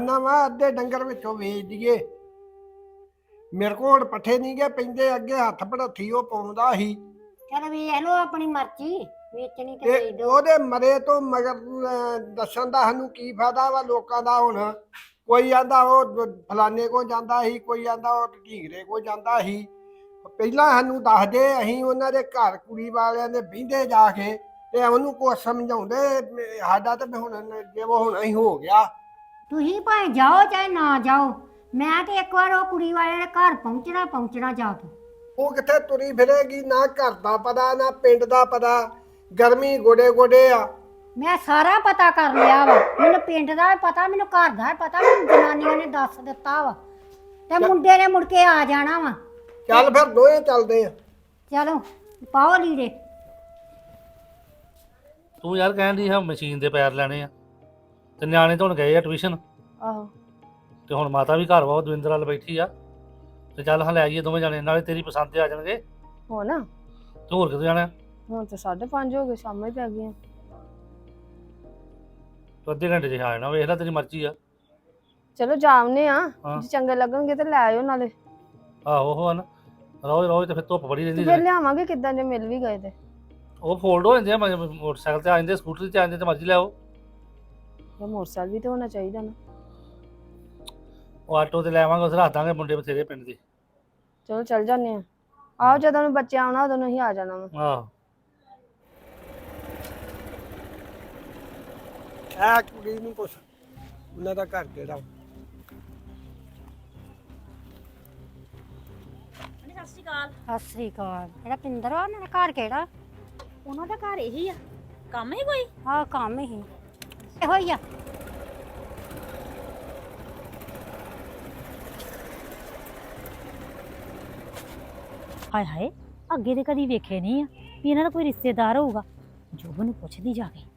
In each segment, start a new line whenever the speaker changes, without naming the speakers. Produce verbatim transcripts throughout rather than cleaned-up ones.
ਆਨਾ ਵਾ ਅੱਧੇ ਡੰਗਰ ਵਿੱਚੋਂ ਵੇਚ ਦਈਏ। ਮੇਰੇ ਕੋਲ ਹੁਣ ਪੱਠੇ ਨਹੀਂ ਗਏ ਪੈਂਦੇ, ਅੱਗੇ ਹੱਥ ਭੜੱਥੀ ਉਹ ਪਾਉਂਦਾ ਸੀ
ਚਲ ਵੇਖ ਲਓ ਆਪਣੀ ਮਰਜ਼ੀ, ਵੇਚਣੀ ਤੇ
ਤੇ
ਵੇਚ ਦਿਓ।
ਉਹਦੇ ਮਰੇ ਤੋਂ ਮਗਰ ਅਹ, ਦੱਸਣ ਦਾ ਸਾਨੂੰ ਕੀ ਫਾਇਦਾ ਵਾ ਲੋਕਾਂ ਦਾ। ਹੁਣ ਕੋਈ ਆਂਦਾ ਉਹ ਫਲਾਨੇ ਕੋ ਜਾਂਦਾ ਸੀ, ਕੋਈ ਆਂਦਾ ਉਹ ਢੀਗਰੇ ਕੋ ਜਾਂਦਾ ਸੀ। ਪਹਿਲਾਂ ਸਾਨੂੰ ਦੱਸਦੇ, ਅਸੀਂ ਉਹਨਾਂ ਦੇ ਘਰ ਕੁੜੀ ਵਾਲਿਆਂ ਦੇ ਬਹਿੰਦੇ ਜਾ ਕੇ ਤੇ ਉਹਨੂੰ ਕੁਛ ਸਮਝਾਉਂਦੇ। ਸਾਡਾ ਤੇ ਹੁਣ ਜੇ ਉਹ ਹੁਣ ਹੀ ਹੋ ਗਿਆ।
ਤੁਸੀਂ ਭਾਵੇਂ ਜਾਓ ਚਾਹੇ ਨਾ ਜਾਓ, ਮੈਂ ਤੇ ਇੱਕ ਵਾਰ ਉਹ ਕੁੜੀ ਵਾਲੇ ਦੇ ਘਰ ਪਹੁੰਚਣਾ ਪਹੁੰਚਣਾ ਜਾ ਕੇ।
ਉਹ ਕਿੱਥੇ ਤੁਰੀ ਫਿਰੇਗੀ, ਨਾ ਘਰ ਦਾ ਪਤਾ ਨਾ ਪਿੰਡ ਦਾ ਪਤਾ, ਗਰਮੀ ਗੋਡੇ ਗੋਡੇ ਆ।
ਮੈਂ ਸਾਰਾ ਪਤਾ ਕਰ ਲਿਆ ਵਾ, ਮੈਨੂੰ ਪਿੰਡ ਦਾ ਵੀ ਪਤਾ, ਮੈਨੂੰ ਘਰ ਦਾ ਵੀ ਪਤਾ, ਮੈਨੂੰ ਜਨਾਨੀਆਂ ਨੇ ਦੱਸ ਦਿੱਤਾ ਵਾ। ਤੇ ਮੁੰਡੇ ਨੇ ਮੁੜ ਕੇ ਆ ਜਾਣਾ ਵਾ।
ਚੱਲ ਫਿਰ ਦੋਵੇਂ ਚੱਲਦੇ ਆ।
ਚਲੋ ਪਾਓ ਲੀੜੇ।
ਤੂੰ ਯਾਰ ਕਹਿਣ ਦੀ ਹਾਂ ਮਸ਼ੀਨ ਦੇ ਪੈਰ ਲੈਣੇ ਆ ਤੇ ਨਿਆਣੇ ਤਾਂ ਹੁਣ ਗਏ ਆ ਟਿਊਸ਼ਨ।
ਆਹੋ
ਤੇ ਹੁਣ ਮਾਤਾ ਵੀ ਘਰ ਵਾ, ਉਹ ਦਵਿੰਦਰ ਵੱਲ ਬੈਠੀ ਆ। ਤੇ ਚੱਲ ਹਾਂ ਲੈ ਆਈਏ ਦੋਵੇਂ ਜਾਣੇ, ਨਾਲੇ ਤੇਰੀ ਪਸੰਦ ਤੇ ਆ ਜਾਣਗੇ।
ਹੋ ਨਾ
ਤੇ ਹੋਰ ਕਿਤੇ ਜਾਣਾ?
ਹੁਣ ਤੇ ਸਾਢੇ ਪੰਜ ਹੋ ਗਏ, ਸ਼ਾਮਾਂ ਹੀ ਪੈ ਗਈਆਂ।
ਤੂੰ ਅੱਧੇ ਘੰਟੇ 'ਚ ਆ ਜਾਣਾ, ਵੇਖ ਲੈ ਤੇਰੀ ਮਰਜ਼ੀ ਆ।
ਚਲੋ ਜਾਵਨੇ ਆ,
ਹਾਂ।
ਜੇ ਚੰਗੇ ਲੱਗਣਗੇ ਤੇ ਲੈ ਆਇਓ ਨਾਲੇ।
ਆਹੋ ਉਹ ਹਨ ਰੋਜ਼ ਰੋਜ਼ ਤੇ ਫਿਰ ਧੁੱਪ ਬੜੀ
ਤੇ
ਰਹਿੰਦੀ
ਫਿਰ
ਹੈ।
ਲਿਆਵਾਂਗੇ ਕਿੱਦਾਂ ਜੇ ਮਿਲ ਵੀ ਗਏ ਤੇ।
ਉਹ ਫੋਲਡ ਹੋ ਜਾਂਦੇ ਆ, ਮ- ਮੋਟਰਸਾਈਕਲ ਤੇ ਆ ਜਾਂਦੇ, ਸਕੂਟਰੀ ਤੇ ਆ ਜਾਂਦੇ, ਤੇ ਮਰਜ਼ੀ ਲੈ ਆਓ।
ਇਹ ਮੋਟਰਸਾਈਕਲ ਵੀ ਤੇ ਹੋਣਾ ਚਾਹੀਦਾ ਨਾ।
ਉਹ ਆਟੋ ਤੇ ਲੈ ਆਵਾਂਗੇ, ਉਸ ਰੱਖ ਦਾਂਗੇ, ਮੁੰਡੇ ਬਥੇਰੇ ਪਿੰਡ ਦੇ।
ਚਲੋ ਚੱਲ ਜਾਂਦੇ ਆ। ਆਓ ਜਦੋਂ ਨੂੰ ਬੱਚੇ ਆਉਣਾ ਉਦੋਂ ਨੂੰ ਹੀ ਆ ਜਾਣਾ ਵਾ।
ਆਹੋ
ਐ ਕੁੜੀ ਨੂੰ ਕੁਛ ਉਹਨਾਂ ਦਾ ਘਰ ਕਿਹੜਾ।
ਸਤਿ ਸ਼੍ਰੀ ਅਕਾਲ।
ਸਤਿ ਸ੍ਰੀ ਅਕਾਲ। ਜਿਹੜਾ ਪਿੰਦਰ ਆ ਉਹਨਾਂ ਦਾ ਘਰ ਕਿਹੜਾ?
ਉਹਨਾਂ ਦਾ ਘਰ ਇਹੀ ਆ, ਕੰਮ ਹੀ ਕੋਈ?
ਆਹ ਕੰਮ ਹੀ ਇਹੋ ਹੀ ਆ।
ਹਾਏ ਹਾਏ, ਅੱਗੇ ਤੇ ਕਦੀ ਵੇਖੇ ਨਹੀਂ ਆ ਵੀ ਇਹਨਾਂ ਦਾ ਕੋਈ ਰਿਸ਼ਤੇਦਾਰ ਹੋਊਗਾ। ਜੋਬਨ ਨੂੰ ਪੁੱਛਦੀ ਜਾ ਕੇ।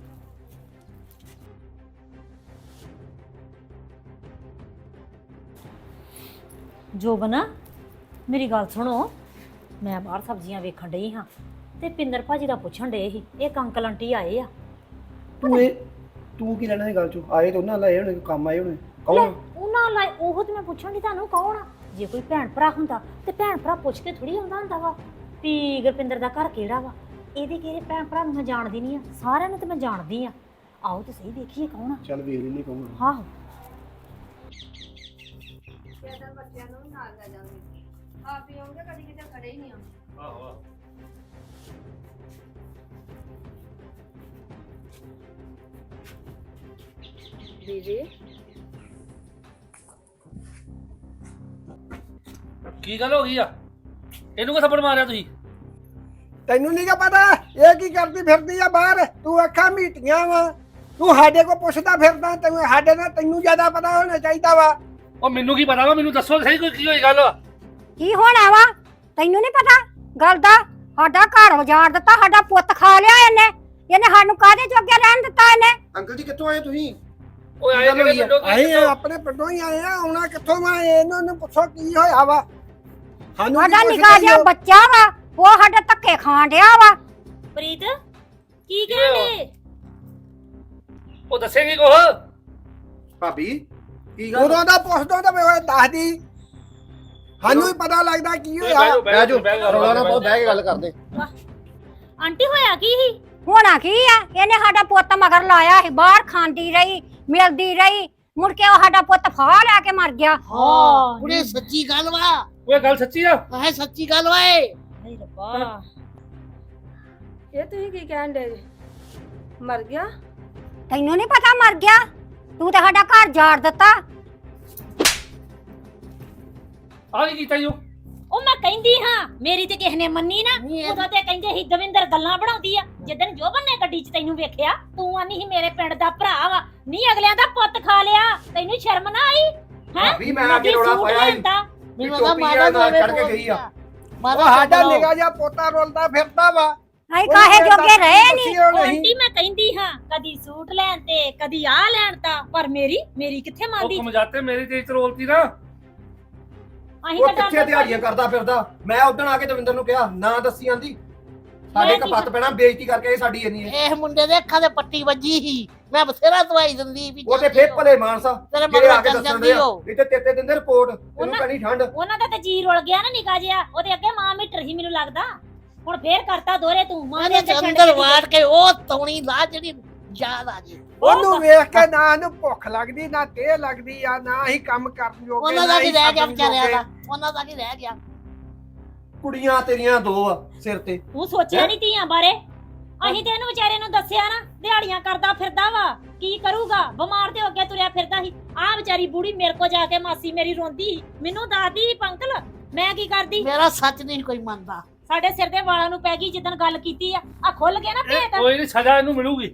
ਜੋਬਨ ਮੇਰੀ ਗੱਲ ਸੁਣੋ, ਮੈਂ ਬਾਹਰ ਸਬਜ਼ੀਆਂ ਵੇਖਣ ਡਈ ਹਾਂ ਤੇ ਪਿੰਦਰ ਭਾਜੀ ਦਾ ਪੁੱਛਣ ਡਏ ਸੀ, ਇੱਕ ਅੰਕਲ ਆਂਟੀ ਆਏ ਆ।
ਤੂੰ ਇਹ ਤੂੰ ਕੀ ਲੈਣਾ ਇਹ ਗੱਲ ਚੋਂ? ਆਏ ਤਾਂ ਉਹਨਾਂ ਲਾਏ ਹੋਣੇ, ਕੰਮ ਆਏ ਹੋਣੇ।
ਲੈ,
ਕੌਣ?
ਉਹਨਾਂ ਲਈ ਉਹ ਤੇ ਮੈਂ ਪੁੱਛਣ ਦੀ ਤੁਹਾਨੂੰ ਕੌਣ ਆ? ਜੇ ਕੋਈ ਭੈਣ ਭਰਾ ਹੁੰਦਾ ਤੇ ਭੈਣ ਭਰਾ ਪੁੱਛ ਕੇ ਥੋੜੀ ਆਉਂਦਾ ਹੁੰਦਾ ਵਾ ਵੀ ਗੁਰਪਿੰਦਰ ਦਾ ਘਰ ਕਿਹੜਾ ਵਾ। ਇਹਦੇ ਕਿਹੜੇ ਭੈਣ ਭਰਾ ਨੂੰ ਮੈਂ ਜਾਣਦੀ ਨਹੀਂ ਆ, ਸਾਰਿਆਂ ਨੂੰ ਤੇ ਮੈਂ ਜਾਣਦੀ ਆ। ਆਓ ਤੇ ਸਹੀ ਦੇਖੀਏ ਕੌਣ ਆ।
ਚੱਲ ਵੇਖ ਲੈਣੀ ਕੌਣ।
ਆਹੋ
ਬੱਚਿਆਂ ਨੂੰ ਵੀ ਨਾਲ ਲੈ ਜਾਂਦੇ, ਆਪ ਹੀ ਆਉਂਦੇ, ਕਦੀ ਕਿਤੇ ਖੜੇ ਹੀ ਨਹੀਂ ਆਉਂਦੇ।
ਆਹੋ
ਦੀਦੀ
ਕੀ ਗੱਲ ਹੋ ਗਈ ਆ? ਇਹਨੂੰ ਕਾ ਥੱਪੜ ਮਾਰਿਆ ਤੁਸੀਂ?
ਤੈਨੂੰ ਨਹੀਂ ਗਾ ਪਤਾ ਇਹ ਕੀ ਕਰਦੀ ਫਿਰਦੀ ਆ ਬਾਹਰ? ਤੂੰ ਅੱਖਾਂ ਮੀਟੀਆਂ ਵਾ, ਤੂੰ ਸਾਡੇ ਕੋ ਪੁੱਛਦਾ ਫਿਰਦਾ। ਤੈਨੂੰ ਸਾਡੇ ਨਾਲ ਤੈਨੂੰ ਜ਼ਿਆਦਾ ਪਤਾ ਹੋਣਾ ਚਾਹੀਦਾ ਵਾ।
ਉਹ ਮੈਨੂੰ ਕੀ ਪਤਾ ਵਾ, ਮੈਨੂੰ ਦੱਸੋ ਸਹੀ ਕੋਈ ਕੀ ਹੋਈ ਗੱਲ।
ਕੀ ਹੋਣਾ ਵਾ? ਤੈਨੂੰ ਨਹੀਂ ਪਤਾ ਗੱਲ ਦਾ? ਸਾਡਾ ਘਰ ਉਜਾੜ ਦਿੱਤਾ, ਸਾਡਾ ਪੁੱਤ ਖਾ ਲਿਆ ਇਹਨੇ। ਇਹਨੇ ਸਾਨੂੰ ਕਾਹਦੇ ਜੋਗੇ ਰਹਿਣ ਦਿੱਤਾ ਇਹਨੇ?
ਅੰਕਲ ਜੀ ਕਿੱਥੋਂ ਆਏ ਤੁਸੀਂ?
ਓਏ ਆਏ
ਗੱਲ ਹੋਈ
ਕਿਹੜੇ
ਆ?
ਪਿੰਡੋਂ?
ਅਸੀਂ ਆਪਣੇ ਪਿੰਡੋਂ ਹੀ ਆਏ ਆ, ਆਉਣਾ ਕਿੱਥੋਂ ਵਾ? ਇਹਨਾਂ ਨੂੰ ਪੁੱਛੋ ਕੀ ਹੋਇਆ ਵਾ। ਸਾਨੂੰ
ਸਾਡਾ
ਕੀ
ਨਿੱਕਾ
ਪੁੱਛਦੇ
ਜਿਹਾ
ਹੋ?
ਬੱਚਾ ਵਾ, ਉਹ ਸਾਡੇ ਧੱਕੇ ਖਾਣ ਡਿਆ ਵਾ।
ਪ੍ਰੀਤ ਕੀ ਕਹਿੰਦੇ?
ਉਹ ਦੱਸੇਗੀ ਕੁਛ?
ਭਾਬੀ ਕੀ ਗੱਲ?
ਉਦੋਂ ਦਾ ਪੁੱਛਦਾ ਤਾਂ ਮੈਂ ਦੱਸਦੀ। ਸਾਨੂੰ ਹੀ ਪਤਾ ਲੱਗਦਾ ਕੀ ਹੋਇਆ।
ਬਹਿ ਜਾਓ, ਰੌਲਾ ਨਾ ਪਾਓ, ਬਹਿ ਕੇ ਗੱਲ ਕਰਦੇ।
ਆਂਟੀ ਹੋਇਆ ਕੀ ਸੀ?
ਹੋਣਾ ਕੀ ਆ? ਇਹਨੇ ਸਾਡਾ ਪੁੱਤ ਮਗਰ ਲਾਇਆ ਸੀ, ਬਾਹਰ ਖਾਂਦੀ ਰਹੀ, ਮਿਲਦੀ ਰਹੀ, ਮੁੜ ਕੇ ਉਹ ਸਾਡਾ ਪੁੱਤ ਫਾਹ ਲੈ ਕੇ ਮਰ ਗਿਆ।
ਹਾਂ
ਕੁੜੇ ਸੱਚੀ ਗੱਲ ਵਾ।
ਓਏ ਗੱਲ ਸੱਚੀ ਆ?
ਹੈ ਸੱਚੀ ਗੱਲ ਵਾ ਏ।
ਹਾਏ ਰੱਬਾ,
ਇਹ ਤੁਸੀਂ ਕੀ ਕਹਿਣ ਦੇ? ਮਰ ਗਿਆ?
ਤੈਨੂੰ ਨਹੀਂ ਪਤਾ ਮਰ ਗਿਆ? ਤੂੰ ਤਾਂ ਸਾਡਾ ਘਰ ਜਾੜ ਦਿੱਤਾ।
ਆ ਕੀ ਕੀਤਾ ਈ ਉਹ?
ਉਹ ਮੈਂ ਕਹਿੰਦੀ ਹਾਂ, ਮੇਰੀ ਤੇ ਕਿਸੇ ਨੇ ਮੰਨੀ ਨਾ।
ਨਹੀਂ ਇਹ-
ਉਦੋਂ ਤੇ ਕਹਿੰਦੇ ਸੀ ਦਵਿੰਦਰ ਗੱਲਾਂ ਬਣਾਉਂਦੀ ਆ। ਜਿੱਦਣ ਜੋਬਨ ਨੇ ਗੱਡੀ 'ਚ ਤੈਨੂੰ ਵੇਖਿਆ, ਤੂੰ ਆਨੀ ਸੀ ਮੇਰੇ ਪਿੰਡ ਦਾ ਭਰਾ ਵਾ, ਨਹੀਂ ਅਗਲਿਆਂ ਦਾ ਪੁੱਤ ਖਾ ਲਿਆ। ਤੈਨੂੰ ਸ਼ਰਮ ਨਾ ਆਈ? ਹੈ
ਭਾਬੀ ਮੈਂ ਆ ਕੇ ਰੌਲਾ ਪਾਇਆ ਸੀ।
ਮੈਨੂੰ
ਟੋਪੀ
ਤਾਂ
ਆ
ਮਾਤਾ
ਨਾਲ
ਨੂੰ
ਚੜ੍ਹ ਕੇ ਗਈ ਆ।
ਉਹ ਸਾਡਾ ਨਿੱਕਾ ਜਿਹਾ ਪੋਤਾ ਰੋਲਦਾ ਫਿਰਦਾ ਵਾ।
ਅਸੀਂ ਕਾਹੇ ਜੋਗੇ ਰਹੇ ਨਹੀਂ।
ਉਹ ਆਂਟੀ ਮੈਂ ਕਹਿੰਦੀ ਹਾਂ, ਕਦੀ ਸੂਟ ਲੈਣ ਤੇ ਕਦੀ ਆ ਲੈਣ ਤਾਂ, ਪਰ ਮੇਰੀ ਮੇਰੀ ਕਿੱਥੇ
ਉਹ
ਮੰਨਦੀ?
ਕਮਜਾਤੇ ਮੇਰੀ ਤੇ ਰੋਲਤੀ ਨਾ।
ਅਸੀਂ
ਉਹ
ਤਾਂ
ਕਿੱਥੇ ਦਿਹਾੜੀਆਂ ਕਰਦਾ ਫਿਰਦਾ। ਮੈਂ ਉਦੋਂ ਆ ਕੇ ਦਵਿੰਦਰ ਨੂੰ ਕਿਹਾ ਨਾ ਦੱਸੀ ਆਂਦੀ। ਸਾਡੇ
ਮੈਂ ਕੀ
ਕਪੱਤ ਪੈਣਾ ਬੇਇੱਜ਼ਤੀ ਕਰਕੇ ਇਹ ਸਾਡੀ ਇੰਨੀ ਹੈ
ਇਹ ਮੁੰਡੇ ਦੇ ਅੱਖਾਂ ਤੇ ਪੱਟੀ ਵੱਜੀ ਸੀ ਮੈਂ ਬਥੇਰਾ ਦਵਾਈ ਦਿੰਦੀ ਵੀ
ਉਹ ਤੇ ਫੇਰ ਭਲੇ ਮਾਨਸਾ
ਤੇਰੇ
ਜਿਹੜੇ ਆ
ਮਗਰ
ਕੇ
ਚੱਲ
ਦੱਸਣ
ਜਾਂਦੀ
ਦੇ ਆ
ਹੋ
ਨਹੀਂ ਤੇ ਤੇਤੇ ਦਿੰਦੇ ਰਿਪੋਰਟ ਤੈਨੂੰ
ਉਹਨਾਂ-
ਪੈਣੀ ਠੰਡ
ਉਹਨਾਂ ਦਾ ਤੇ ਜੀ ਰੁਲ ਗਿਆ ਨਾ ਨਿਕਾ ਜਿਆ ਉਹਦੇ ਅੱਗੇ ਮਾਂ ਮੀਟਰ ਹੀ ਮੈਨੂੰ ਲੱਗਦਾ ਹੁਣ ਫੇਰ ਕਰਤਾ ਦੋਰੇ ਤੂੰ ਮਾਂ ਦੇ
ਉਹਨੇ
ਅੱਗੇ ਛੱਡ
ਅੰਦਰ
ਕੇ
ਵਾੜ ਕੇ ਉਹ ਤੌਣੀ ਲਾ ਜਿਹੜੀ ਯਾਦ ਆ ਗਈ
ਉਹਨੂੰ ਵੇਖ ਕੇ ਨਾ ਇਹਨੂੰ ਭੁੱਖ ਲੱਗਦੀ ਨਾ ਤੇ ਲੱਗਦੀ ਆ ਨਾ ਹੀ ਕੰਮ ਕਰਨ ਜੋਗੇ
ਉਹਨਾਂ ਦਾ
ਨਾ
ਕੀ
ਹੀ
ਰਹਿ ਗਿਆ
ਛੱਡਣ
ਵਿਚਾਰਿਆਂ
ਜੋਗੇ।
ਦਾ ਉਹਨਾਂ ਦਾ ਕੀ ਰਹਿ ਗਿਆ
ਕੁੜੀਆਂ ਤੇਰੀਆਂ ਦੋ ਆ ਸਿਰ ਤੇ
ਤੂੰ ਸੋਚਿਆ ਨਹੀਂ ਧੀਆਂ ਬਾਰੇ ਅਸੀਂ ਤੇ ਇਹਨੂੰ ਵਿਚਾਰੇ ਨੂੰ ਦੱਸਿਆ ਨਾ ਦਿਹਾੜੀਆਂ ਕਰਦਾ ਫਿਰਦਾ ਵਾ ਕੀ ਕਰੂਗਾ ਬਿਮਾਰ ਤੇ ਹੋ ਕੇ ਤੁਰਿਆ ਫਿਰਦਾ ਸੀ ਆਹ ਵਿਚਾਰੀ ਬੁੜੀ ਮੇਰੇ ਕੋ ਜਾ ਕੇ ਮਾਸੀ ਮੇਰੀ ਰੋਂਦੀ ਸੀ ਮੈਨੂੰ ਦੱਸਦੀ ਸੀ ਪੰਕਲ ਮੈਂ ਕੀ ਕਰਦੀ
ਮੇਰਾ ਸੱਚ ਨਹੀਂ ਕੋਈ ਮੰਨਦਾ
ਸਾਡੇ ਸਿਰ ਦੇ ਵਾਲਾਂ ਨੂੰ ਪੈ ਗਈ ਜਿੱਦਣ ਗੱਲ ਕੀਤੀ ਆ ਆ ਖੁੱਲ ਗਿਆ ਨਾ
ਇਹ
ਭੇਤ
ਕੋਈ ਨਹੀਂ ਸਜ਼ਾ ਇਹਨੂੰ ਮਿਲੂਗੀ।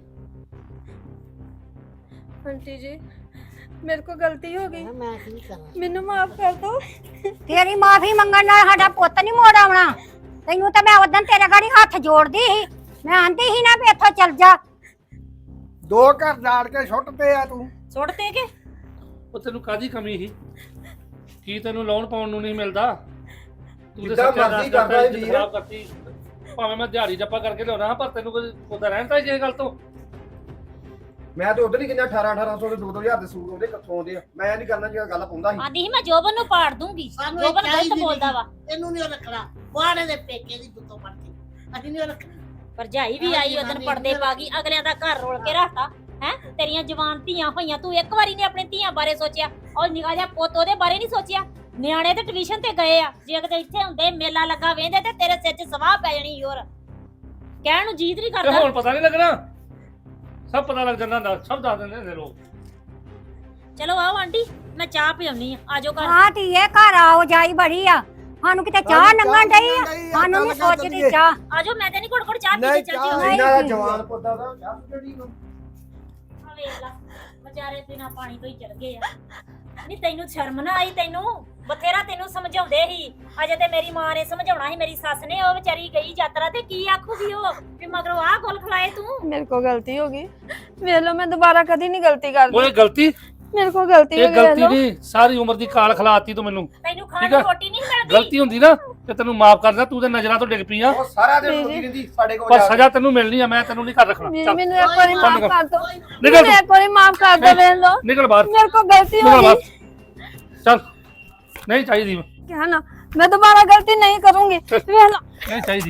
ਆਂਟੀ ਜੀ ਮੇਰੇ ਕੋ ਗਲਤੀ ਹੋ ਗਈ
ਮੈਂ ਕੀ ਕਰਾਂ
ਮੈਨੂੰ ਮਾਫ ਕਰ ਦਿਓ
ਤੇਰੀ ਮਾਫੀ ਮੰਗਣ ਨਾਲ ਸਾਡਾ ਪੁੱਤ ਨਹੀਂ ਮੋੜ ਆਉਣਾ। ਤੈਨੂੰ ਤਾਂ ਮੈਂ ਉਦੋਂ ਤੇਰੇ ਗਾੜੀ ਹੱਥ ਜੋੜਦੀ ਸੀ ਮੈਂ ਆਂਦੀ ਸੀ ਨਾ ਵੀ ਇੱਥੋਂ ਚੱਲ ਜਾ।
ਦੋ ਘਰ ਝਾੜ ਕੇ ਸੁੱਟਦੇ ਆ ਤੂੰ
ਸੁੱਟ ਤੇ ਕੇ
ਉਹ ਤੈਨੂੰ ਕਾਦੀ ਕਮੀ ਸੀ ਕੀ ਤੈਨੂੰ ਲੋਨ ਪਾਉਣ ਨੂੰ ਨਹੀਂ ਮਿਲਦਾ ਤੂੰ ਤੇ
ਜਿੱਦਾਂ
ਸੱਚਾ
ਮਰਜ਼ੀ
ਦੱਸ
ਕਰਦਾ
ਇੱਜ਼ਤ
ਵੀਰ।
ਖਰਾਬ ਕਰਤੀ ਭਾਵੇਂ ਮੈਂ ਦਿਹਾੜੀ ਜੱਪਾ ਕਰਕੇ ਲਿਆਉਣਾ ਪਰ ਤੈਨੂੰ ਕੋਈ ਉਹਦਾ ਰਹਿੰਦਾ ਜੇ ਗੱਲ ਤੋਂ
ਮੈਂ ਤੇ ਉਧਰ ਹੀ ਕਿੰਨਾ ਅਠਾਰਾਂ ਅਠਾਰਾਂ ਸੌ ਦੇ ਦੋ ਦੋ ਹਜ਼ਾਰ ਦੇ ਸੂਟ ਉਹਦੇ ਕਿੱਥੋਂ ਆਉਂਦੇ ਆ ਮੈਂ ਨਹੀਂ ਕਰਨਾ ਜਿਹੜਾ ਗੱਲ ਪਾਉਂਦਾ ਸੀ
ਆਂਦੀ ਸੀ ਮੈਂ ਜੋਬਨ ਨੂੰ ਪਾੜ ਦੂੰਗੀ
ਸਾਨੂੰ
ਜੋਬਨ
ਚਾਹੀਦੀ
ਗਲਤ
ਨੀ।
ਬੋਲਦਾ ਵਾ
ਇਹਨੂੰ ਨਹੀਂ ਰੱਖਣਾ ਬਾਣੇ ਦੇ ਪੇਕੇ ਦੀ ਦੁੱਤੋਂ ਪੜਦੀ ਅਸੀਂ ਨਹੀਂ ਰੱਖਣਾ
ਭਰਜਾਈ ਵੀ ਆਈ ਉਦੋਂ ਪਰਦੇ ਪਾ ਗਈ ਅਗਲਿਆਂ ਦਾ ਘਰ ਰੋਲ ਕੇ ਰੱਖਤਾ ਹੈ ਤੇਰੀਆਂ ਜਵਾਨ ਧੀਆਂ ਹੋਈਆਂ ਤੂੰ ਇੱਕ ਵਾਰੀ ਨੇ ਆਪਣੀ ਧੀਆਂ ਬਾਰੇ ਸੋਚਿਆ ਔਰ ਨਿਗਾਹ ਜਿਹਾ ਪੁੱਤ ਉਹਦੇ ਬਾਰੇ ਨਹੀਂ ਸੋਚਿਆ ਨਿਆਣੇ ਤੇ ਟਿਊਸ਼ਨ ਤੇ ਗਏ ਆ ਜੇ ਕਿਤੇ ਇੱਥੇ ਹੁੰਦੇ ਮੇਲਾ ਲੱਗਾ ਵੇਂਦੇ ਤੇ ਤੇਰੇ ਸਿਰ 'ਚ ਸਵਾਹ ਪੈ ਜਾਣੀ ਹੋਰ ਕਹਿਣ ਨੂੰ ਜੀਤ ਨਹੀਂ
ਤੇ
ਕਰਦਾ
ਹੁਣ ਪਤਾ ਨਹੀਂ ਲੱਗਣਾ ਸਭ ਪਤਾ ਲੱਗ ਜਾਂਦਾ ਹੁੰਦਾ ਸਭ ਦੱਸ ਦਿੰਦੇ ਨੇ ਲੋਕ।
ਚਲੋ ਆਓ ਆਂਟੀ ਮੈਂ ਚਾਹ ਪਿਆਉਣੀ ਆ ਆਜੋ ਘਰ
ਹਾਂ ਧੀਏ ਘਰ ਆਓ ਜਾਈ ਬੜੀ ਆ ਸਾਨੂੰ ਕਿਤੇ ਚਾਹ
ਸਾਨੂੰ
ਨੰਗਣ ਡਈ ਆ
ਡਈ ਆ,
ਸਾਨੂੰ ਨਹੀਂ
ਚੱਲ ਕਰ
ਸੋਚਦੀ
ਚੱਲੀਏ।
ਚਾਹ।
ਆਜੋ ਮੈਂ ਤੇ ਨਹੀਂ ਘੁੜ ਘੁੜ ਚਾਹ ਪੀ
ਨਹੀਂ,
ਕੇ ਚੱਲ
ਚਾਹ
ਜਿਓ
ਇਹਨਾਂ ਦਾ ਜਵਾਨ ਪੁੱਤ ਦਾ ਚਾਹ ਜਿਹੜੀ ਨੂੰ
ਆ ਵੇਖ ਲਾ ਵਿਚਾਰੇ ਬਿਨਾ ਪਾਣੀ ਤੋਂ ਹੀ ਚਲ ਗਏ ਆ ਨਹੀਂ ਤੈਨੂੰ ਸ਼ਰਮ ਨਾ ਆਈ ਤੈਨੂੰ ਬਥੇਰਾ ਤੈਨੂੰ ਸਮਝਾਉਂਦੇ ਸੀ ਅਜੇ ਤੇ ਮੇਰੀ ਮਾਂ ਨੇ ਸਮਝਾਉਣਾ ਸੀ ਮੇਰੀ ਸੱਸ ਨੇ ਉਹ ਵਿਚਾਰੀ ਗਈ ਯਾਤਰਾ ਤੇ ਕੀ ਆਖੂਗੀ ਉਹ ਵੀ ਮਗਰੋਂ ਆਹ ਗੁੱਲ ਖਲਾਏ ਤੂੰ
ਮੇਰੇ ਕੋ ਗਲਤੀ ਹੋ ਗਈ ਵੇਖ ਲਓ ਮੈਂ ਦੁਬਾਰਾ ਕਦੀ ਨਹੀਂ ਗਲਤੀ ਕਰਦੀ
ਉਹ ਇਹ ਗਲਤੀ
ਮੇਰੇ ਕੋ ਗਲਤੀ ਹੋ
ਇਹ
ਗਈ ਵੇਖ
ਗਲਤੀ
ਲਓ
ਨਹੀਂ ਸਾਰੀ ਉਮਰ ਦੀ ਕਾਲ ਖਲਾਤੀ ਤੂੰ ਮੈਨੂੰ
ਤੈਨੂੰ ਖਾਣ
ਠੀਕ
ਨੂੰ
ਆ।
ਰੋਟੀ ਨਹੀਂ ਮਿਲਦੀ
ਗਲਤੀ ਹੁੰਦੀ ਨਾ ਤੇ ਤੈਨੂੰ ਮਾਫ ਕਰਦਾ ਤੂੰ ਤੇ ਨਜ਼ਰਾਂ ਤੋਂ ਡਿੱਗ ਪਈ ਆ
ਉਹ ਸਾਰਾ ਦਿਨ
ਜੀ,
ਰੋਟੀ
ਜੀ।
ਰਹਿੰਦੀ ਸਾਡੇ ਕੋਲ
ਪਰ
ਜਾ ਕੇ।
ਸਜ਼ਾ ਤੈਨੂੰ ਮਿਲਣੀ ਆ ਮੈਂ ਤੈਨੂੰ ਨਹੀਂ ਕਰ ਰੱਖਣਾ
ਜੀ,
ਚੱਲ
ਮੈਨੂੰ ਇੱਕ ਵਾਰੀ ਮਾਫ
ਨਿਕਲ।
ਕਰ ਦਿਓ
ਨਿਕਲ
ਮੈਨੂੰ ਇੱਕ ਵਾਰੀ ਮਾਫ ਕਰ ਦਿਓ ਵੇਖ ਲਓ
ਨਿਕਲ ਬਾਹਰ
ਮੇਰੇ ਕੋ ਗਲਤੀ ਹੋ
ਨਿਕਲ
ਗਈ
ਬਾਹਰ ਚੱਲ ਨਹੀਂ ਚਾਹੀਦੀ
क्या ना मैं दोबारा गलती नहीं करूंगी वेख लो
ਨਹੀਂ ਚਾਹੀਦੀ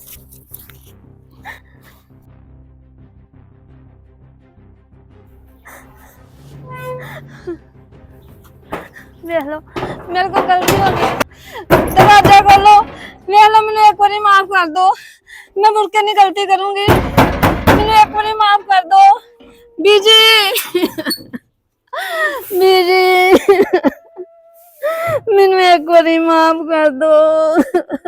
ਵੇਖ ਲਓ ਮੇਰੇ ਕੋ ਗਲਤੀ ਹੋ ਗਈ दरवाजा खोलो ਵੇਖ ਲਓ ਮੈਨੂੰ ਇੱਕ ਵਾਰੀ ਮਾਫ ਕਰ ਦਿਓ मैं मुड़ के नहीं गलती करूंगी ਮੈਨੂੰ ਇੱਕ ਵਾਰੀ ਮਾਫ ਕਰ ਦਿਓ ਬੀਜੀ ਬੀਜੀ ਮੈਨੂੰ ਇੱਕ ਵਾਰੀ ਮਾਫ ਕਰ ਦਿਓ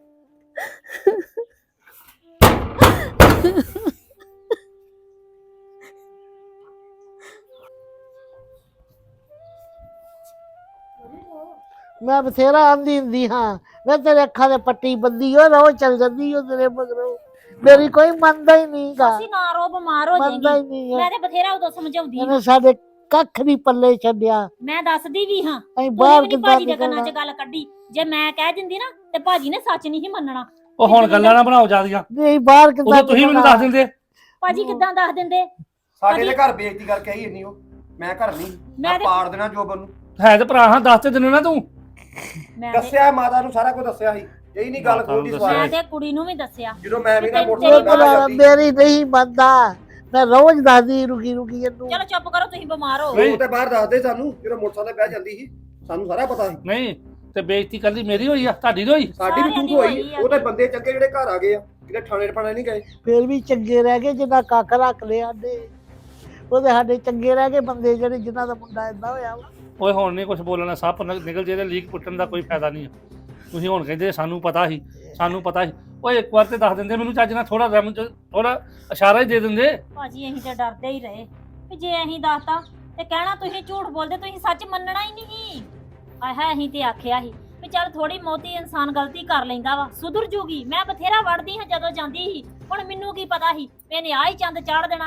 ਮੈਂ ਬਥੇਰਾ ਆਂਦੀ ਹੁੰਦੀ ਹਾਂ ਮੈਂ ਤੇਰੇ ਅੱਖਾਂ ਦੇ ਪੱਟੀ ਬੰਦੀ ਹੋ ਰੋ ਚੱਲ ਜਾਂਦੀ ਹੋ ਤੇਰੇ ਮਗਰੋਂ ਮੇਰੀ ਕੋਈ ਮੰਨਦਾ ਹੀ ਨਹੀਂਗਾ
ਅਸੀਂ ਨਾ ਰੋ ਬਿਮਾਰ ਹੋ
ਮੰਨਦਾ ਹੀ
ਜਾਏਗੀ
ਨਹੀਂ
ਮੈਂ
ਹੈ
ਤੇ ਬਥੇਰਾ ਉਦੋਂ ਸਮਝਾਉਂਦੀ
ਇਹਨੇ ਸਾਡੇ ਕੱਖ ਨਹੀਂ ਪੱਲੇ ਛੱਡਿਆ
ਮੈਂ ਦੱਸਦੀ ਵੀ ਹਾਂ
ਅਸੀਂ
ਤੂੰ
ਬਾਹਰ
ਵੀ ਨੀ
ਕਿੱਦਾਂ
ਭਾਜੀ ਦੇ ਕੰਨਾਂ
ਨਿਕਲਣਾ
'ਚ ਗੱਲ ਕੱਢੀ ਜੇ ਮੈਂ ਕਹਿ ਦਿੰਦੀ ਨਾ ਤੇ ਭਾਜੀ ਨੇ ਸੱਚ ਨਹੀਂ ਸੀ ਮੰਨਣਾ
ਉਹ ਹੁਣ ਗੱਲਾਂ ਨਾ ਬਣਾਓ ਜਿਆਦੀਆਂ
ਨਹੀਂ ਬਾਹਰ ਕਿੱਦਾਂ
ਉਦੋਂ ਤੁਸੀਂ ਮੈਨੂੰ ਦੱਸ ਦਿੰਦੇ
ਭਾਜੀ ਕਿੱਦਾਂ ਦੱਸ ਦਿੰਦੇ
ਸਾਡੇ ਦੇ ਘਰ ਬੇਇੱਜ਼ਤੀ ਕਰਕੇ ਆਈ ਇੰਨੀ ਉਹ ਮੈਂ ਘਰ ਨਹੀਂ
ਮੈਂ
ਮੈਂ
ਤੇ-
ਪਾੜ ਦੇਣਾ ਜੋਬਨ ਨੂੰ
ਹੈ ਤੇ ਭਰਾ ਹਾਂ ਦੱਸ ਤੇ ਦਿੰਦੇ ਨਾ ਤੂੰ
ਮੈਂ ਤੇ-
ਦੱਸਿਆ ਮਾਤਾ ਨੂੰ ਸਾਰਾ ਕੁਝ ਦੱਸਿਆ ਸੀ ਇਹੀ ਨਹੀਂ ਗੱਲ
ਮਾਤਾ ਨੂੰ
ਖੋਲਦੀ
ਦੱਸਿਆ।
ਸਵਾਲ
ਮੈਂ ਤੇ ਕੁੜੀ ਨੂੰ ਵੀ ਦੱਸਿਆ
ਜਦੋਂ ਮੈਂ ਵੀ ਨਾ
ਤੇਰੀ-
ਮੋਟਰਸਾਈਕਲ
ਤੇਰੀ
ਬਹਿ ਜਾਂਦੀ
ਮੇਰੀ ਨਹੀਂ ਮੰਨਦਾ ਮੈਂ ਰੋਜ਼ ਦੱਸਦੀ ਰੁਕੀ ਰੁਕੀ ਇਹਨੂੰ
ਚਲੋ ਚੁੱਪ ਕਰੋ ਤੁਸੀਂ ਬਿਮਾਰ ਹੋ
ਨਹੀਂ।
ਉਹ ਤੇ ਬਾਹਰ ਦੱਸਦੇ ਸਾਨੂੰ ਜਦੋਂ ਮੋਟਰਸਾਈਕਲ ਬਹਿ ਜਾਂਦੀ ਸੀ ਸਾਨੂੰ ਸਾਰਾ ਪਤਾ ਸੀ
ਨਹੀਂ ਤੇ ਬੇਇੱਜ਼ਤੀ ਕੱਲੀ ਮੇਰੀ ਹੋਈ ਆ ਤੁਹਾਡੀ ਨਹੀਂ ਹੋਈ
ਸਾਡੀ ਵੀ
ਸਾਰਿਆਂ ਦੀ
ਤੂੰ ਹੋਈ
ਹੋਈ ਆ।
ਉਹ ਤੇ ਬੰਦੇ ਚੰਗੇ ਜਿਹੜੇ ਘਰ ਆ ਗਏ ਆ ਕਿਤੇ ਥਾਣੇ ਟਪਾਣੇ ਨਹੀਂ ਗਏ
ਫੇਰ ਵੀ ਚੰਗੇ ਰਹਿ ਗਏ ਜਿੰਨਾ ਕੱਖ ਰੱਖ ਲਿਆ ਸਾਡੇ ਉਹਦੇ ਸਾਡੇ ਚੰਗੇ ਰਹਿ ਗਏ ਬੰਦੇ ਜਿਹੜੇ ਜਿਨ੍ਹਾਂ ਦਾ ਮੁੰਡਾ ਏਦਾਂ ਹੋਇਆ ਵਾ।
ਓਏ ਹੁਣ ਨਹੀਂ ਕੁਝ ਬੋਲਣਾ ਸੱਪ ਨਿਕ- ਨਿਕਲ ਜੇ ਤੇ ਲੀਕ ਪੁੱਟਣ ਦਾ ਕੋਈ ਫਾਇਦਾ ਨਹੀਂ ਆ ਤੁਸੀਂ ਹੁਣ ਕਹਿੰਦੇ ਸਾਨੂੰ ਪਤਾ ਸੀ ਸਾਨੂੰ ਪਤਾ ਸੀ ਓਏ ਇੱਕ ਵਾਰ ਤੇ ਦੱਸ ਦਿੰਦੇ ਮੈਨੂੰ ਚੱਜ ਨਾਲ ਥੋੜਾ ਰਮ ਥੋੜਾ ਇਸ਼ਾਰਾ ਹੀ ਦੇ ਦਿੰਦੇ
ਭਾਜੀ ਅਸੀਂ ਤੇ ਡਰਦੇ ਹੀ ਰਹੇ ਵੀ ਜੇ ਅਸੀਂ ਦੱਸਤਾ ਤੇ ਕਹਿਣਾ ਤੁਸੀਂ ਝੂਠ ਬੋਲਦੇ ਤੁਸੀਂ ਸੱਚ ਮੰਨਣਾ ਹੀ ਨਹੀਂ ਆਹ ਅਸੀਂ ਤੇ ਆਖਿਆ ਸੀ ਵੀ ਚੱਲ ਥੋੜੀ ਮੋਤੀ ਇਨਸਾਨ ਗਲਤੀ ਕਰ ਲੈਂਦਾ ਵਾ ਸੁਧਰ ਜੂਗੀ ਮੈਂ ਬਥੇਰਾ ਵੜਦੀ ਹਾਂ ਜਦੋਂ ਜਾਂਦੀ ਸੀ ਹੁਣ ਮੈਨੂੰ ਕੀ ਪਤਾ ਸੀ ਵੀ ਇਹਨੇ ਆਹ ਹੀ ਚੰਦ ਚਾੜ ਦੇਣਾ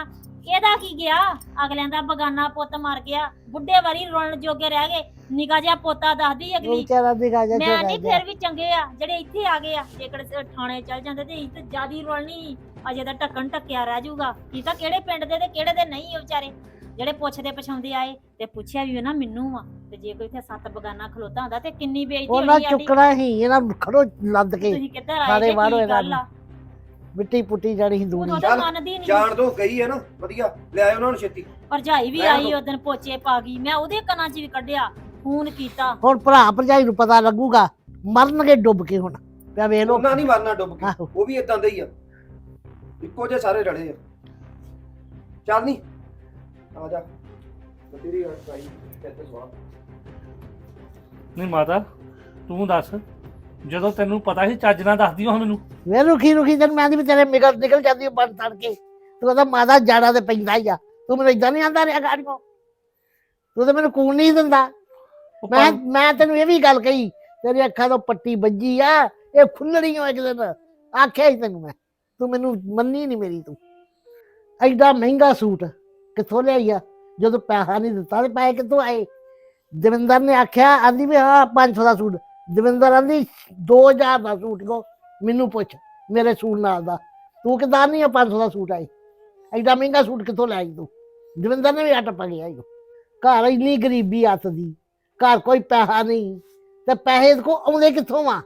ਇਹਦਾ ਕੀ ਗਿਆ? ਅਗਲਿਆਂ ਦਾ ਬਗਾਨਾ ਪੁੱਤ ਮਰ ਗਿਆ, ਬੁੱਢੇ ਵਾਰੀ ਰੋਣ ਜੋਗੇ ਰਹਿ ਗਏ। ਨਿਕਾ ਜਿਹਾ ਪੋਤਾ ਦੱਸਦੀ
ਉਹ
ਅਗਲੀ।
ਵਿਚਾਰਾ ਦਿਖਾ ਜਾ
ਮੈਂ ਨਹੀਂ, ਫਿਰ ਵੀ ਚੰਗੇ ਆ ਜਿਹੜੇ ਇੱਥੇ ਆ ਗਏ ਆ। ਜੇਕਰ ਥਾਣੇ ਚੱਲ ਜਾਂਦੇ ਤੇ ਇੱਥੇ ਜਿਆਦੀ ਰੋਲਣੀ, ਅਜੇ ਤਾਂ ਢੱਕਣ ਢੱਕਿਆ ਰਹਿ ਜਾਊਗਾ। ਕੀ ਤਾਂ ਕਿਹੜੇ ਪਿੰਡ ਦੇ ਤੇ ਕਿਹੜੇ ਦੇ ਨਹੀਂ ਆ ਵਿਚਾਰੇ, ਜਿਹੜੇ ਪੁੱਛਦੇ ਪਛਾਉਂਦੇ ਆਏ ਤੇ ਪੁੱਛਿਆ ਵੀ ਨਾ ਮੈਨੂੰ ਆ। ਤੇ ਜੇ ਕੋਈ ਇੱਥੇ ਸੱਤ ਬਗਾਨਾ ਖਲੋਤਾ ਹੁੰਦਾ ਤੇ ਕਿੰਨੀ ਬੇਇੱਜ਼ਤੀ
ਉਹਨਾਂ
ਹੋਣੀ ਸਾਡੀ।
ਚੁੱਕਣਾ ਹੀ ਇਹਨਾਂ ਖੜੋ ਲੱਦ ਕੇ
ਤੁਸੀਂ ਕਿੱਧਰ ਆਏ
ਸਾਰੇ
ਜੇ?
ਬਾਹਰੋਂ
ਕੀ
ਇਹਨਾਂ
ਗੱਲ ਆ?
ਮਿੱਟੀ ਪੁੱਟੀ ਜਾਣੀ ਸੀ ਦੂਣੀ
ਉਦੋਂ ਤਾਂ
ਚੱਲ,
ਮੰਨਦੀ ਨਹੀਂ।
ਜਾਣ ਦੋ ਗਈ ਹੈ ਨਾ, ਵਧੀਆ ਲੈ ਆਇਓ ਉਹਨਾਂ ਨੂੰ ਛੇਤੀ।
ਭਰਜਾਈ ਵੀ
ਰਹਿਣ
ਆਈ
ਦਿਓ।
ਉਦੋਂ ਪੋਚੇ ਪਾ ਗਈ, ਮੈਂ ਉਹਦੇ ਕੰਨਾਂ 'ਚ ਵੀ ਕੱਢਿਆ, ਫੋਨ ਕੀਤਾ।
ਹੁਣ ਭਰਾ ਭਰਜਾਈ ਨੂੰ ਪਤਾ ਲੱਗੂਗਾ, ਮਰਨਗੇ ਡੁੱਬ ਕੇ ਹੁਣ ਪਿਆ ਵੇਖ ਲੋ।
ਉਹਨਾਂ ਨਹੀਂ ਮਰਨਾ ਡੁੱਬ ਕੇ,
ਆਹੋ।
ਉਹ ਵੀ ਇਦਾਂ ਦੇ ਹੀ ਆ, ਇੱਕੋ ਜਿਹੇ ਸਾਰੇ ਰਲੇ ਆ। ਚੱਲ ਨਹੀਂ ਆ ਜਾ ਤੇਰੀ ਅੜਾਈ ਕਿੱਥੇ ਸਵਾ।
ਨਹੀਂ ਮਾਤਾ ਤੂੰ ਦੱਸ, ਜਦੋਂ ਤੈਨੂੰ ਪਤਾ ਸੀ ਚੱਜ ਨਾਲ ਦੱਸਦੀ ਉਹ ਮੈਨੂੰ।
ਵੇ ਰੁਖੀ ਰੁਖੀ ਜਦ ਮੈਂ ਦੀ ਵੀ ਤੇਰੇ ਨਿਕਲ ਨਿਕਲ ਜਾਂਦੀ ਬਣ ਤੜ ਕੇ ਤੂੰ ਕਹਿੰਦਾ ਮਾਦਾ ਜਾੜਾ ਤੇ ਪੈਂਦਾ ਹੀ ਆ। ਤੂੰ ਮੈਨੂੰ ਇਦਾਂ ਨਹੀਂ ਆਂਦਾ ਰਿਹਾ ਗਾੜੀਓ, ਤੂੰ ਤਾਂ ਮੈਨੂੰ ਕੂਣ ਨਹੀਂ ਦਿੰਦਾ।
ਉਹ
ਮੈਂ
ਪਰ-
ਮੈਂ ਤੈਨੂੰ ਇਹ ਵੀ ਗੱਲ ਕਹੀ, ਤੇਰੀ ਅੱਖਾਂ ਤੋਂ ਪੱਟੀ ਵੱਜੀ ਆ, ਇਹ ਖੁੱਲਣੀ ਹੋ ਇੱਕ ਦਿਨ ਆਖਿਆ ਹੀ ਤੈਨੂੰ ਮੈਂ, ਤੂੰ ਮੈਨੂੰ ਮੰਨੀ ਨਹੀਂ ਮੇਰੀ। ਤੂੰ ਐਡਾ ਮਹਿੰਗਾ ਸੂਟ ਕਿੱਥੋਂ ਲਿਆਈ ਆ? ਜਦੋਂ ਪੈਸਾ ਨਹੀਂ ਦਿੱਤਾ ਤੇ ਪੈਸੇ ਕਿੱਥੋਂ ਆਏ? ਦਵਿੰਦਰ ਨੇ ਆਖਿਆ, ਆਂਦੀ ਵੀ ਹਾਂ ਪੰਜ ਸੌ ਦਾ ਸੂਟ। ਦਵਿੰਦਰ ਆਂਦੀ ਦੋ ਹਜ਼ਾਰ ਦਾ ਸੂਟ ਕੋ ਮੈਨੂੰ ਪੁੱਛ ਮੇਰੇ ਸੂਟ ਨਾਲ ਦਾ, ਤੂੰ ਕਿਦਾਂ ਨਹੀਂ ਆ ਪੰਜ ਸੌ ਦਾ ਸੂਟ ਆਈ? ਐਡਾ ਮਹਿੰਗਾ ਸੂਟ ਕਿੱਥੋਂ ਲੈ ਆਈ ਤੂੰ? ਦਵਿੰਦਰ ਨੇ ਵੀ ਅੱਟ ਪਾ ਗਿਆ। ਘਰ ਇੰਨੀ ਗਰੀਬੀ ਹੱਥ ਦੀ, ਘਰ ਕੋਈ ਪੈਸਾ ਨਹੀਂ ਤੇ ਪੈਸੇ ਕੋ ਆਉਂਦੇ ਕਿੱਥੋਂ ਆ?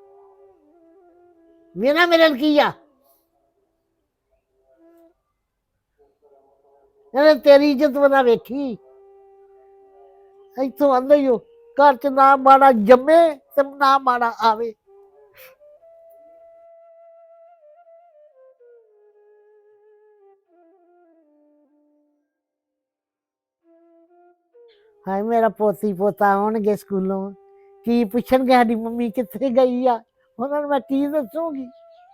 ਮੇਰਾ ਮੇਰੇ ਨਾਲ ਕੀ ਆ? ਇਹਨੇ ਤੇਰੀ ਇੱਜ਼ਤ ਬਣਾ ਵੇਖੀ। ਇੱਥੋਂ ਆਂਦਾ ਹੀ ਉਹ ਘਰ ਚ ਨਾ ਮਾੜਾ ਜੰਮੇ ਤੇ ਨਾ ਮਾੜਾ ਆਵੇ। ਹਾਏ ਮੇਰਾ ਪੋਤੀ ਪੋਤਾ ਆਉਣਗੇ ਸਕੂਲੋਂ, ਕੀ ਪੁੱਛਣਗੇ ਸਾਡੀ ਮੰਮੀ ਕਿੱਥੇ ਗਈ ਆ? ਉਹਨਾਂ ਨੂੰ ਮੈਂ ਕੀ ਦੱਸੂਗੀ?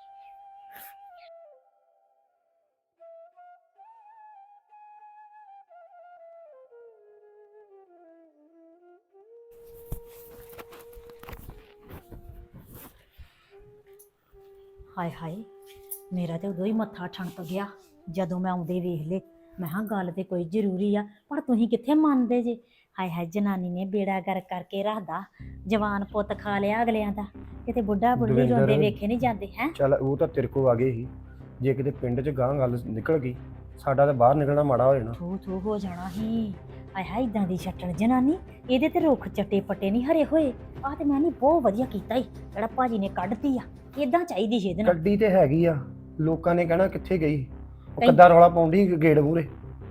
ਹਾਏ ਹਾਏ, ਮੇਰਾ ਤੇ ਉਦੋਂ ਹੀ ਮੱਥਾ ਠਣਕ ਗਿਆ ਜਦੋਂ ਮੈਂ ਆਉਂਦੇ ਵੇਖ ਲੇ। ਮੈਂ ਕਿਹਾ ਗੱਲ ਤੇ ਕੋਈ ਜ਼ਰੂਰੀ ਆ, ਪਰ ਤੁਸੀਂ ਕਿੱਥੇ ਮੰਨਦੇ ਜੇ? ਹਾਏ ਹਾਏ, ਜਨਾਨੀ ਨੇ ਬੇੜਾ ਕਰ ਕਰਕੇ ਰੱਖਦਾ, ਜਵਾਨ ਪੁੱਤ ਖਾ ਲਿਆ ਅਗਲਿਆਂ ਦਾ। ਕਿਤੇ ਬੁੱਢਾ ਬੁੱਢੀ
ਦਵਿੰਦਰ,
ਰੋਂਦੇ ਵੇਖੇ ਨਹੀਂ ਜਾਂਦੇ ਹੈ।
ਚੱਲ ਉਹ ਤਾਂ ਤੇਰੇ ਕੋ ਆ ਗਏ ਸੀ, ਜੇ ਕਿਤੇ ਪਿੰਡ 'ਚ ਗਾਂ ਗੱਲ ਨਿਕਲ ਗਈ ਸਾਡਾ ਤਾਂ ਬਾਹਰ ਨਿਕਲਣਾ ਮਾੜਾ ਹੋ ਜਾਣਾ।
ਥੂ ਥੂ ਹੋ ਜਾਣਾ ਹੀ। ਹਾਏ ਹਾਏ, ਇਦਾਂ ਦੀ ਛੱਟਣ ਜਨਾਨੀ, ਇਹਦੇ ਤੇ ਰੁੱਖ ਚੱਟੇ ਪੱਟੇ ਨਹੀਂ ਹਰੇ ਹੋਏ। ਆਹ ਤੇ ਮੈਂ ਨਹੀਂ ਬਹੁਤ ਵਧੀਆ ਕੀਤਾ ਹੀ ਜਿਹੜਾ ਭਾਜੀ ਨੇ ਕੱਢਤੀ ਆ, ਇਦਾਂ ਚਾਹੀਦੀ ਸੀ ਇਹਦੇ ਨਾਲ।
ਗੱਡੀ ਤੇ ਹੈਗੀ ਆ, ਲੋਕਾਂ ਨੇ ਕਹਿਣਾ ਕਿੱਥੇ ਗਈ, ਉਹ
ਕਈ-
ਕਿੱਦਾਂ ਰੌਲਾ ਪਾਉਂਦੀ ਗੇੜ ਮੂਰੇ।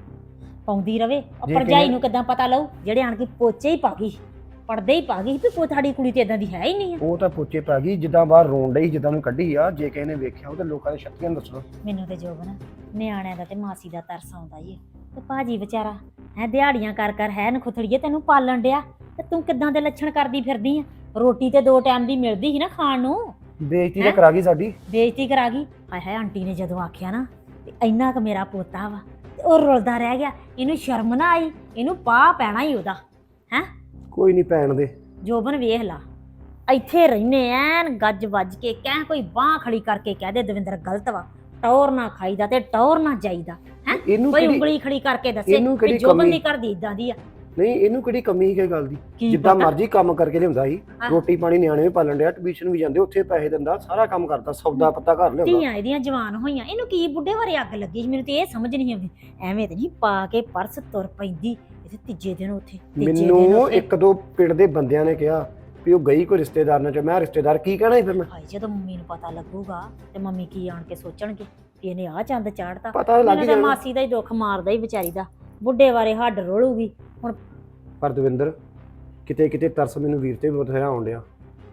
ਪਾਉਂਦੀ ਰਵੇ। ਉਹ
ਜੇ
ਭਰਜਾਈ
ਕਿਵੇਂ-
ਨੂੰ ਕਿੱਦਾਂ ਪਤਾ ਲਊ ਜਿਹੜੇ ਆਣ ਕੇ ਪੋਚੇ ਹੀ ਪਾ ਗਈ, ਪੜਦੇ ਹੀ ਪਾ ਗਈ ਵੀ ਪੋ ਸਾਡੀ ਕੁੜੀ ਤੇ ਇਦਾਂ ਦੀ ਹੈ ਹੀ ਨਹੀਂ ਆ।
ਉਹ ਤਾਂ ਪੋਚੇ ਪਾ ਗਈ, ਜਿੱਦਾਂ ਬਾਹਰ ਰੋਣ ਡਈ, ਜਿੱਦਾਂ ਨੂੰ ਕੱਢੀ ਆ। ਜੇ ਕਿਸੇ ਨੇ ਵੇਖਿਆ ਉਹ ਤੇ ਲੋਕਾਂ ਦੇ ਛੱਤੀਆਂ ਦੱਸਣਾ।
ਮੈਨੂੰ ਤੇ ਜੋਬਨ ਨਿਆਣਿਆਂ ਦਾ ਤੇ ਮਾਸੀ ਦਾ ਤਰਸ ਆਉਂਦਾ ਹੀ ਆ। ਤੇ ਭਾਜੀ ਵਿਚਾਰਾ ਹੈ ਦਿਹਾੜੀਆਂ ਕਰ ਕਰ ਹੈ ਨਖੁੱਥੜੀਏ ਤੈਨੂੰ ਪਾਲਣ ਡਿਆ, ਤੇ ਤੂੰ ਕਿੱਦਾਂ ਦੇ ਲੱਛਣ ਕਰਦੀ ਫਿਰਦੀ ਆ? ਰੋਟੀ ਤੇ ਦੋ ਟਾਈਮ ਦੀ ਮਿਲਦੀ ਸੀ ਨਾ ਖਾਣ ਨੂੰ,
ਬੇਇੱਜ਼ਤੀ
ਹੈਂ?
ਤਾਂ ਕਰਾ ਗਈ ਸਾਡੀ।
ਬੇਇੱਜ਼ਤੀ ਕਰਾ ਗਈ। ਹਾਏ ਹਾਏ, ਆਂਟੀ ਨੇ ਜਦੋਂ ਆਖਿਆ ਨਾ ਤੇ ਇੰਨਾ ਕੁ ਮੇਰਾ ਪੋਤਾ ਵਾ ਤੇ ਉਹ ਰੁਲਦਾ ਰਹਿ ਗਿਆ। ਇਹਨੂੰ ਸ਼ਰਮ ਨਾ ਆਈ, ਇਹਨੂੰ ਪਾ ਪੈਣਾ ਹੀ ਉਹਦਾ। ਹੈ
ਕੋਈ ਨਹੀਂ ਪੈਣ ਦੇ।
ਜੋਬਨ ਵੇਖ ਲਾ, ਇੱਥੇ ਰਹਿਨੇ ਐਨ ਗੱਜ ਵੱਜ ਕੇ, ਕਹਿ ਕੋਈ ਬਾਹ ਖੜੀ ਕਰਕੇ ਕਹਿ ਦੇ ਦਵਿੰਦਰ ਗਲਤ ਵਾ, ਟੌਰ ਨਾ ਖਾਈਦਾ ਤੇ ਟੌਰ ਨਾ ਜਾਈਦਾ। ਹੈ
ਇਹਨੂੰ
ਕੋਈ
ਕਿਹੜੀ
ਉਂਗਲੀ ਖੜੀ ਕਰਕੇ ਦੱਸੇ
ਇਹਨੂੰ
ਵੀ
ਕਿਹੜੀ
ਜੋਬਨ
ਕਮੀ?
ਦੀ ਕਰਦੀ ਇਦਾਂ ਦੀ ਆ।
ਨਹੀਂ, ਇਹਨੂੰ ਕਿਹੜੀ ਕਮੀ ਸੀ ਕਿਸੇ ਗੱਲ ਦੀ?
ਕੀ
ਜਿੱਦਾਂ
ਪਤਾ?
ਮਰਜ਼ੀ ਕੰਮ ਕਰਕੇ ਲਿਆਉਂਦਾ ਸੀ,
ਹਾਂ।
ਰੋਟੀ ਪਾਣੀ ਨਿਆਣੇ ਵੀ ਪਾਲਣ ਡਿਆ, ਟਿਊਸ਼ਨ ਵੀ ਜਾਂਦੇ, ਉੱਥੇ ਪੈਸੇ ਦਿੰਦਾ, ਸਾਰਾ ਕੰਮ ਕਰਦਾ, ਸੌਦਾ ਪੱਤਾ ਘਰ ਲਿਆਉਂਦਾ।
ਧੀਆਂ ਇਹਦੀਆਂ ਜਵਾਨ ਹੋਈਆਂ, ਇਹਨੂੰ ਕੀ ਬੁੱਢੇ ਵਾਰੇ ਅੱਗ ਲੱਗੀ ਸੀ? ਮੈਨੂੰ ਤੇ ਇਹ ਸਮਝ ਨਹੀਂ ਆਉਂਦੀ। ਐਵੇਂ ਤੇ ਨਹੀਂ ਪਾ ਕੇ ਪਰਸ ਤੁਰ ਪੈਂਦੀ ਇਹਦੇ ਤੀਜੇ ਦਿਨ ਉੱਥੇ, ਤੀਜੇ ਦਿਨ
ਮੈਨੂੰ
ਉੱਥੇ।
ਇੱਕ ਦੋ ਪਿੰਡ ਦੇ ਬੰਦਿਆਂ ਨੇ ਕਿਹਾ ਵੀ ਉਹ ਗਈ ਕੋਈ ਰਿਸ਼ਤੇਦਾਰ ਨਾਲ, ਚ ਮੈਂ ਰਿਸ਼ਤੇਦਾਰ ਕੀ ਕਹਿਣਾ ਸੀ ਫਿਰ ਮੈਂ?
ਹਾਏ, ਜਦੋਂ ਮੰਮੀ ਨੂੰ ਪਤਾ ਲੱਗੂਗਾ ਤੇ ਮੰਮੀ ਕੀ ਆਣ ਕੇ ਸੋਚਣਗੇ ਵੀ ਇਹਨੇ ਆਹ ਚੰਦ ਚਾੜਤਾ।
ਪਤਾ ਲੱਗ
ਮੈਨੂੰ ਤਾਂ
ਜਾਣਾ।
ਮਾਸੀ ਦਾ ਹੀ ਦੁੱਖ ਮਾਰਦਾ ਹੀ ਵਿਚਾਰੀ ਦਾ, ਬੁੱਢੇ ਵਾਰੇ ਹੱਡ ਰੋਲੂਗੀ ਹੁਣ।
ਪਰ ਦਵਿੰਦਰ, ਕਿਤੇ ਕਿਤੇ ਤਰਸ ਮੈਨੂੰ ਵੀਰ ਤੇ ਬਥੇਰਾ ਆਉਣ ਡਿਆ।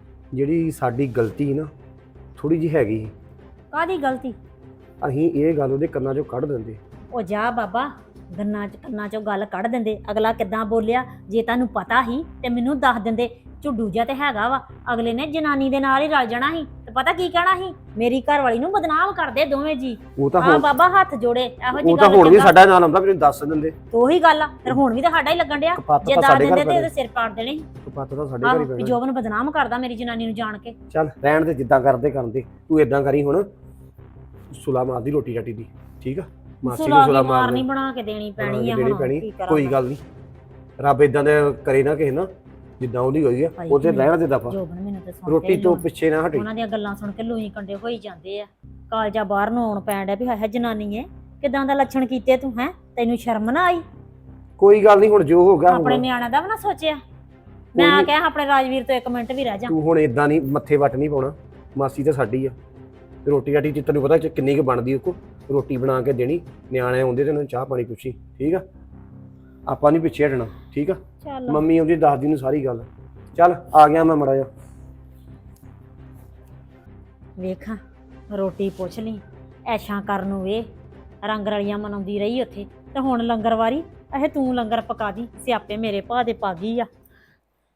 ਜਿਹੜੀ ਸਾਡੀ ਗਲਤੀ ਨਾ ਥੋੜੀ ਜਿਹੀ ਹੈਗੀ ਸੀ,
ਕਾਹਦੀ ਗਲਤੀ?
ਅਸੀਂ ਇਹ ਗੱਲ ਉਹਦੇ ਕੰਨਾਂ 'ਚੋਂ ਕੱਢ ਦਿੰਦੇ।
ਉਹ ਜਾ ਬਾਬਾ, ਗੰਨਾਂ ਚ ਕੰਨਾਂ ਚੋਂ ਗੱਲ ਕੱਢ ਦਿੰਦੇ। ਅਗਲਾ ਕਿੱਦਾਂ ਬੋਲਿਆ ਜੇ ਤੁਹਾਨੂੰ ਪਤਾ ਸੀ ਤੇ ਮੈਨੂੰ ਦੱਸ ਦਿੰਦੇ। ਝੁੱਡੂ ਜਿਹਾ ਤੇ ਹੈਗਾ ਵਾ, ਅਗਲੇ ਨੇ ਜਨਾਨੀ ਦੇ ਨਾਲ ਹੀ ਰਲ ਜਾਣਾ ਸੀ ਤੇ ਪਤਾ ਕੀ ਕਹਿਣਾ ਸੀ, ਮੇਰੀ ਘਰ ਵਾਲੀ ਨੂੰ ਬਦਨਾਮ ਕਰਦੇ ਦੋਵੇਂ ਜੀ।
ਉਹ ਤਾਂ
ਹਾਂ
ਹੁਣ
ਬਾਬਾ, ਹੱਥ ਜੋੜੇ ਇਹੋ ਜੀ
ਉਹ ਤਾਂ
ਗੱਲ
ਹੁਣ ਵੀ
ਚੰਗਾ।
ਸਾਡਾ ਨਾਲ ਆਉਂਦਾ, ਮੈਨੂੰ ਦੱਸ ਦਿੰਦੇ।
ਉਹੀ ਗੱਲ ਆ, ਫਿਰ ਹੁਣ ਵੀ ਤਾਂ ਸਾਡਾ ਹੀ ਲੱਗਣ ਡਿਆ।
ਕਪੱਤ
ਜੇ
ਤਾਂ
ਦੱਸ
ਸਾਡੇ
ਦਿੰਦੇ
ਘਰ
ਤੇ
ਪੈਣਾ,
ਉਹਦੇ ਸਿਰ ਪਾੜ ਦੇਣੇ ਸੀ।
ਕਪੱਤ ਤਾਂ ਸਾਡੇ ਘਰ
ਆਹੋ
ਹੀ
ਵੀ
ਪੈਣਾ।
ਜੋਬਨ ਬਦਨਾਮ ਕਰਦਾ ਮੇਰੀ ਜਨਾਨੀ ਨੂੰ ਜਾਣ ਕੇ।
ਚੱਲ ਰਹਿਣ ਦੇ, ਜਿੱਦਾਂ ਕਰਦੇ ਕਰਦੇ। ਤੂੰ ਇਦਾਂ ਕਰੀ ਹੁਣ, ਸੁਲਾ ਮਾਰਦੀ ਰੋਟੀ ਰਾਟੀ ਦੀ, ਠੀਕ ਆ? ਮਾਸੀ
ਸੁਲਾ
ਨੂੰ
ਦੀ
ਸੁਲਾ
ਮਾਰ
ਮਾਰਨੀ
ਨਹੀਂ ਬਣਾ ਕੇ ਦੇਣੀ ਪੈਣੀ ਆ
ਦੇਣੀ
ਹੁਣ
ਪੈਣੀ
ਕੀ ਕਰਾਂ
ਕੋਈ ਗੱਲ ਨਹੀਂ ਰੱਬ ਇਦਾਂ ਦੇ ਕਰੇ ਨਾ ਕਿਸੇ ਨਾ ਜਿੱਦਾਂ ਉਹਦੀ ਹੋਈ ਆ
ਭਾਈ
ਉਹਦੇ
ਜੀ,
ਰਹਿਣ ਦੇ ਦਫਾ
ਜੋਬਨ ਮੈਨੂੰ ਤੇ ਸੁਣ ਕੇ
ਰੋਟੀ
ਹੀ
ਤੋਂ
ਲੋਨ-
ਪਿੱਛੇ ਨਾ ਹਟੇ
ਉਹਨਾਂ ਦੀਆਂ ਗੱਲਾਂ ਸੁਣ ਕੇ ਲੂਈ ਕੰਡੇ ਹੋਈ ਜਾਂਦੇ ਆ ਕਾਲਜਾ ਬਾਹਰ ਨੂੰ ਆਉਣ ਪੈਣ ਡਿਆ ਵੀ ਹਾਏ ਹਾਏ ਜਨਾਨੀ ਏ ਕਿਦਾਂ ਦਾ ਲੱਛਣ ਕੀਤੇ ਤੂੰ ਹੈ ਤੈਨੂੰ ਸ਼ਰਮ ਨਾ ਆਈ
ਕੋਈ ਗੱਲ ਨਹੀਂ ਹੁਣ ਜੋ ਹੋ ਗਿਆ
ਆਪਣੇ
ਹੁਣ
ਨਿਆਣਿਆਂ ਦਾ ਵੀ ਨਾ ਸੋਚਿਆ ਮੈਂ
ਕੋਈ
ਆ
ਨੀ।
ਕਿਹਾ ਆਪਣੇ ਰਾਜਵੀਰ ਤੋਂ ਇੱਕ ਮਿੰਟ ਵੀ ਰਹਿ ਜਾ
ਤੂੰ ਹੁਣ ਇਦਾਂ ਨਹੀਂ ਮੱਥੇ ਵੱਟ ਨਹੀਂ ਪਾਉਣਾ ਮਾਸੀ ਤਾਂ ਸਾਡੀ ਆ ਤੇ ਰੋਟੀ ਰਾਟੀ ਤੇ ਤੈਨੂੰ ਪਤਾ ਚ ਕਿੰਨੀ ਕੁ ਬਣਦੀ ਉਹ ਕੋ ਰੋਟੀ ਬਣਾ ਕੇ ਦੇਣੀ ਨਿਆਣੇ ਆਉਂਦੇ ਤੇ ਉਹਨਾਂ ਨੂੰ ਚਾਹ ਪਾਣੀ ਪੁੱਛੀ ਠੀਕ ਆ ਆਪਾਂ ਨਹੀਂ ਪਿੱਛੇ ਹਟਣਾ ਠੀਕ ਆ
ਚੱਲ
ਮੰਮੀ ਉਹਦੀ ਦੱਸਦੀ ਨੂੰ ਸਾਰੀ ਗੱਲ ਚੱਲ ਆ ਗਿਆ ਮੈਂ ਮੜਾ ਜਾ
ਵੇਖਾਂ ਰੋਟੀ ਪੁੱਛ ਲਈ ਐਸ਼ਾਂ ਕਰਨ ਨੂੰ ਵੇ ਰੰਗ ਰਲੀਆਂ ਮਨਾਉਂਦੀ ਰਹੀ ਉੱਥੇ ਤੇ ਹੁਣ ਲੰਗਰ ਵਾਰੀ ਇਹ ਤੂੰ ਲੰਗਰ ਪਕਾ ਦੀ ਸਿਆਪੇ ਮੇਰੇ ਭਾ ਦੇ ਪਾ ਗਈ ਆ